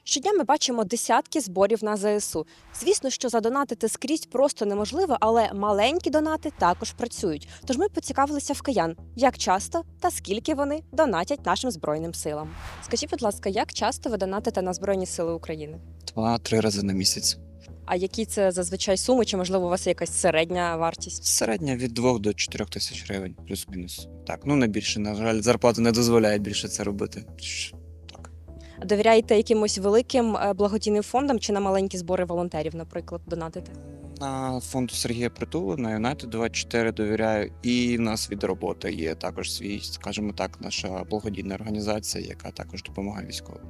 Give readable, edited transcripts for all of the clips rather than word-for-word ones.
Щодня ми бачимо десятки зборів на ЗСУ. Звісно, що задонатити скрізь просто неможливо, але маленькі донати також працюють. Тож ми поцікавилися в киян, як часто та скільки вони донатять нашим Збройним силам. Скажіть, будь ласка, як часто ви донатите на Збройні Сили України? 2-3 рази на місяць. А які це зазвичай суми, чи можливо у вас є якась середня вартість? Середня від 2 до 4 тисяч гривень, плюс-мінус. Так, ну не більше, на жаль, зарплата не дозволяє більше це робити. Так. Довіряєте якимось великим благодійним фондам чи на маленькі збори волонтерів, наприклад, донатите? На фонду Сергія Притули, на Юнайтед 24 довіряю. І в нас від роботи є також свій, скажімо так, наша благодійна організація, яка також допомагає військовим.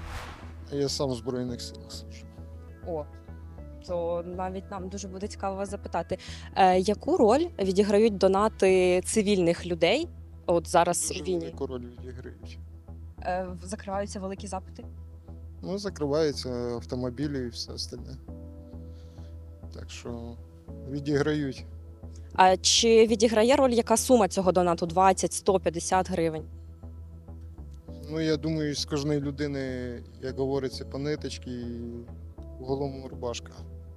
Я сам в Збройних силах служу. О, то навіть нам дуже буде цікаво вас запитати, яку роль відіграють донати цивільних людей? От зараз Дуже у війні велику роль відіграють. закриваються великі запити. Ну, закриваються автомобілі і все остальне. Так що відіграють. А чи відіграє роль яка сума цього донату? 20, 100, 50 гривень? Ну, я думаю, з кожної людини, як говориться, по ниточці і в голому рубашка.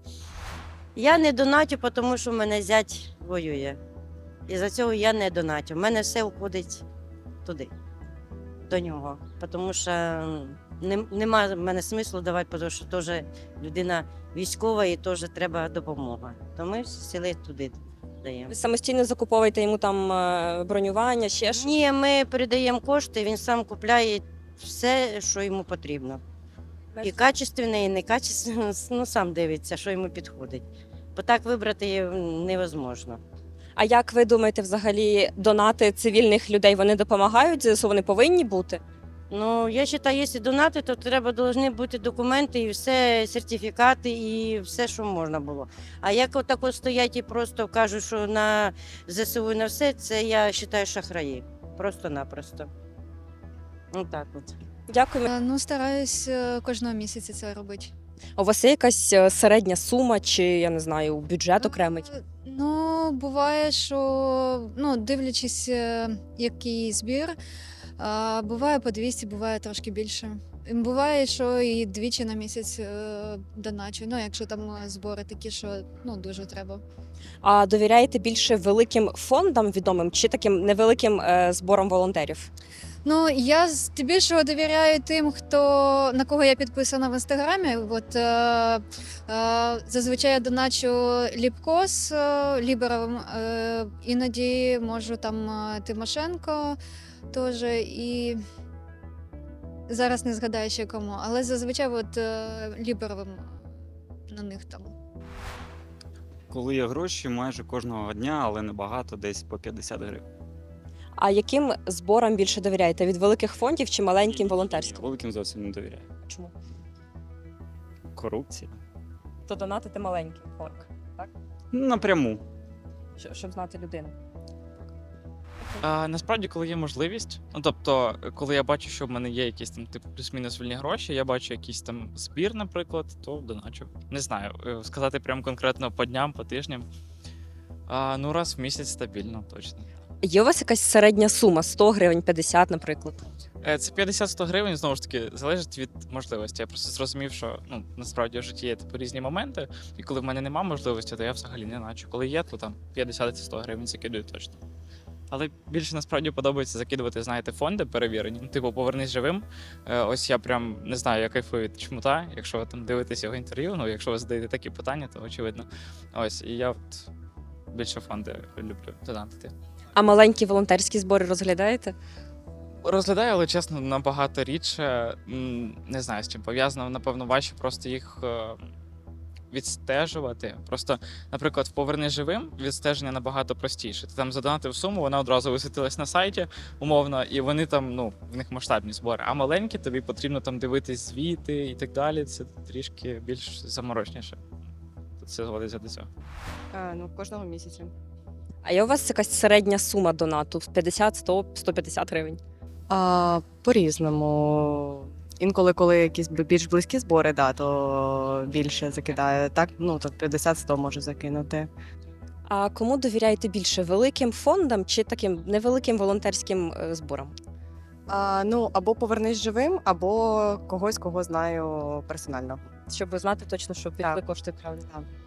Я не донатю, тому що в мене зять воює. І за цього я не донатю. У мене все входить туди, до нього. Тому що нема в мене смислу давати, тому що теж людина військова і теж треба допомога. То ми сіли туди даємо. Ви самостійно закуповуєте йому там бронювання, ще ж? Ні, ми передаємо кошти, він сам купляє все, що йому потрібно. І качественне, і некачественне, ну сам дивиться, що йому підходить. Бо так вибрати невозможно. А як ви думаєте, взагалі донати цивільних людей вони допомагають ЗСУ? Вони повинні бути? Ну, я вважаю, якщо донати, то повинні бути документи і все, сертифікати, і все, що можна було. А як отако стоять і просто кажуть, що на ЗСУ і на все, це я вважаю шахраї. Просто-напросто. Отак от. Дякую. Ну, стараюсь кожного місяця це робити. У вас є якась середня сума, чи я не знаю, бюджет окремий? Ну, буває, що дивлячись, який збір, буває по 200, буває трошки більше. Буває, що і двічі на місяць доначу. Ну, якщо там збори такі, що дуже треба. А довіряєте більше великим фондам відомим чи таким невеликим зборам волонтерів? Ну, я здебільшого довіряю тим, на кого я підписана в інстаграмі. От зазвичай я доначу Ліпкос Ліберовим, іноді можу там Тимошенко теж, і зараз не згадаю ще кому, але зазвичай Ліберовим на них там. Коли є гроші, майже кожного дня, але небагато, десь по 50 гривень. А яким зборам більше довіряєте? Від великих фондів чи маленьким волонтерським? Великим зовсім не довіряю. Чому? Корупція. То донатити маленький фонд, Напряму. щоб знати людину. Насправді, коли є можливість, тобто, коли я бачу, що в мене є якісь там типу плюс-мінус вільні гроші, я бачу якийсь там збір, наприклад, то доначу. Не знаю, сказати прям конкретно по дням, по тижням. Ну, раз в місяць стабільно, точно. Є у вас якась середня сума? 100 гривень, 50, наприклад? Це 50-100 гривень, знову ж таки, залежить від можливості. Я просто зрозумів, що насправді в житті є типу різні моменти, і коли в мене немає можливості, то я взагалі не начу. Коли є, то там 50-100 гривень закидую точно. Але більше насправді подобається закидувати, знаєте, фонди перевірені. Типу, повернись живим. Ось я прям не знаю, я кайфую від Чмута. Якщо ви там дивитесь його інтерв'ю, якщо ви задаєте такі питання, то очевидно. Ось, і я більше фонди люблю донатити. А маленькі волонтерські збори розглядаєте? Розглядаю, але чесно, набагато рідше. Не знаю, з чим пов'язано. Напевно, важче просто їх відстежувати. Просто, наприклад, в «Повернись живим» відстеження набагато простіше. Ти там задонатив суму, вона одразу висвітилась на сайті, умовно, і вони там, в них масштабні збори. А маленькі, тобі потрібно там дивитись звіти і так далі. Це трішки більш заморочніше. Це зводиться до цього. Кожного місяця. А є у вас якась середня сума донату? 50, 100, 150 гривень? По-різному. Інколи, коли якісь більш близькі збори, то більше закидаю. Так, то 50-100 можу закинути. А кому довіряєте більше? Великим фондам чи таким невеликим волонтерським зборам? Ну, або повернись живим, або когось, кого знаю персонально. Щоб знати точно, що пішли Так. кошти правильно. Так.